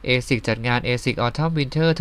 ASICS จัดงาน ASICS Autumn Winter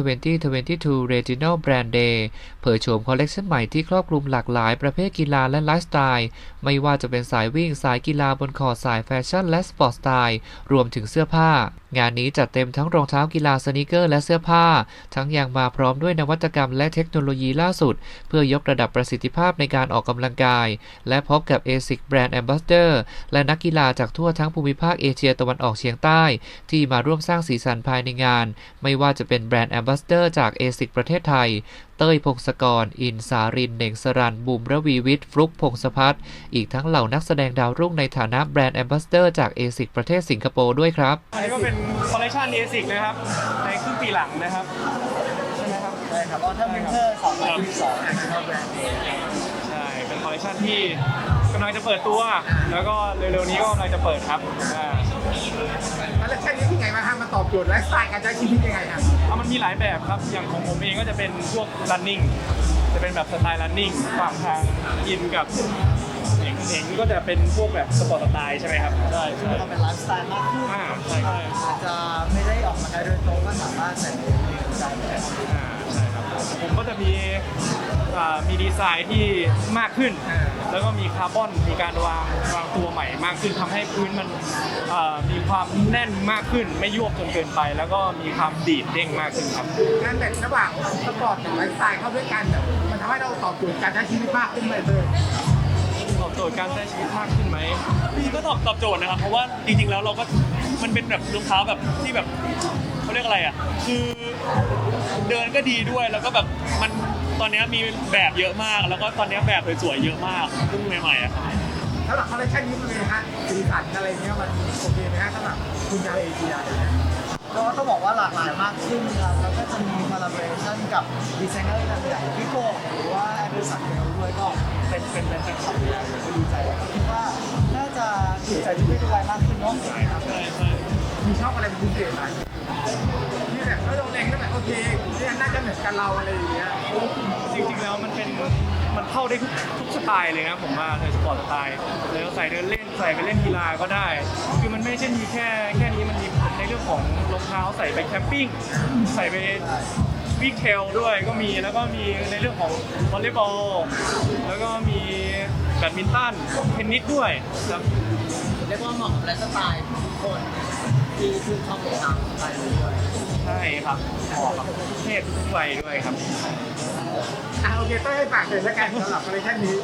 2022 Regional Brand Day เผยโฉมคอลเลกชันใหม่ที่ครอบคลุมหลากหลายประเภทกีฬาและไลฟ์สไตล์ไม่ว่าจะเป็นสายวิ่งสายกีฬาบนคอร์ตสายแฟชั่นและสปอร์ตสไตล์รวมถึงเสื้อผ้างานนี้จัดเต็มทั้งรองเท้ากีฬาสนีกเกอร์และเสื้อผ้าทั้งยังมาพร้อมด้วยนวัตกรรมและเทคโนโลยีล่าสุดเพื่อยกระดับประสิทธิภาพในการออกกำลังกายและพบกับ ASICS Brand Ambassador และนักกีฬาจากทั่วทั้งภูมิภาคเอเชียตะวันออกเฉียงใต้ที่มาร่วมสร้างสีสันภายในงานไม่ว่าจะเป็นแบรนด์ Ambassador จาก ASICS ประเทศไทยเต้ยพงศกรอินสารินเน่งสรันบุ๋มระวีวิทย์ฟลุกพงศพัฒน์อีกทั้งเหล่านักแสดงดาวรุ่งในฐานะแบรนด์ Ambassador จาก ASICS ประเทศสิงคโปร์ด้วยครับอันนี้ก็เป็นคอลเลคชัน ASICS นะครับในครึ่งปีหลังนะครับใช่ไหมครับใช่ครับว่าถ้าวินเทอร์2022เนี่ยคือแบรนด์เองใช่เป็นคอลเลคชันที่กำลังจะเปิดตัวแล้วก็เร็วๆนี้ก็กำลังจะเปิดครับคอลเลคชันนี้ยังไงบ้างครับมันตอบโจทย์ไลฟ์สไตล์การใช้ชีวิตยังไงครับมันมีหลายแบบครับอย่างของผมเองก็จะเป็นพวก running จะเป็นแบบสไตล์ running ฝั่งทางยินกับเองก็จะเป็นพวกแบบสปอร์ตสไตล์ใช่ไหมครับใช่ก็เป็นไลฟ์สไตล์มากขึ้นใช่อาจจะไม่ได้ออกมาได้โดยตรงก็สามารถใส่ในใจได้ใช่ครับผมก็จะมีดีไซน์ที่มากขึ้นแล้วก็มีคาร์บอนมีการวางตัวใหม่มากขึ้นทำให้พื้นมันมีความแน่นมากขึ้นไม่ยวบจนเกินไปแล้วก็มีความดีดเด้งมากขึ้นครับการแบ่งระหว่างสปอร์ตกับไลฟ์สไตล์เข้าด้วยกันมันทำให้เราตอบโจทย์การใช้ชีวิตมากขึ้นเลยตอบโจทย์การใช้ชีวิตมากขึ้นไหมก็ตอบโจทย์นะครับเพราะว่าจริงๆแล้วเราก็มันเป็นแบบรองเท้าแบบที่แบบเขาเรียกอะไรอ่ะคือเดินก็ดีด้วยแล้วก็แบบมันตอนนี้มีแบบเยอะมากแล้วก็ตอนนี้แบบสวยๆเยอะมากเพิ่งใหม่ๆอ่ะสำหรับคอลเลคชันนี้มันเป็นฮะสีสันอะไรเงี้ยมันโอเคไหมฮะสำหรับคุณชาวเอเชียก็ต้องบอกว่าหลากหลายมากขึ้นครับแล้วก็จะมีคอลลาบอเรชั่นกับดีไซเนอร์อย่างพี่โก้หรือว่าแอนเดอร์สันเบลด้วยก็เป็นแฟนคลับอยู่แล้วก็ดีใจคิดว่าน่าจะถูกใจทุกเพศทุกวัยมากขึ้นเนาะใช่ครับใช่มีชอบอะไรเป็นพิเศษไหมที่แบบเราเล็งก็แบบโอเคนี่น่าจะเหมือนกันเราอะไรอย่างเงี้ยจริงๆแล้วมันเข้าได้ทุกสไตล์เลยนะผมว่าในสปอร์ตสไตล์แล้วใส่เดินเล่นใส่ไปเล่นกีฬาก็ได้คือมันไม่ใช่มีแค่นี้มันมีในเรื่องของรองเท้าใส่ไปแคมปิ้งใส่ไปวิ่งเทรลด้วยก็มีแล้วก็มีในเรื่องของวอลเลย์บอลแล้วก็มีแบดมินตันเทนนิสด้วยครับเรียกว่าเหมาะกับไลฟ์สไตล์ทุกคนที่ชอบรองเท้าสไตล์นี้ด้วยใช่ครับเหมาะกับทุกเพศทุกวัยด้วยครับโอเคต้องให้ฝากเลยแล้วกันสำหรับคอลเลคชันนี้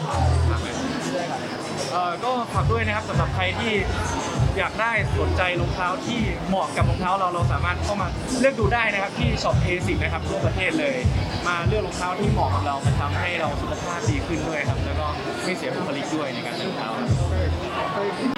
ก็ฝากด้วยนะครับสำหรับใครที่อยากได้สนใจรองเท้าที่เหมาะกับรองเท้าเราสามารถเข้ามาเลือกดูได้นะครับที่ช็อป ASICS นะครับทั่วประเทศเลยมาเลือกรองเท้าที่เหมาะกับเรามาทำให้เราสุขภาพดีขึ้นด้วยครับแล้วก็ไม่เสียบุคลิกด้วยในการใส่รองเท้าครับ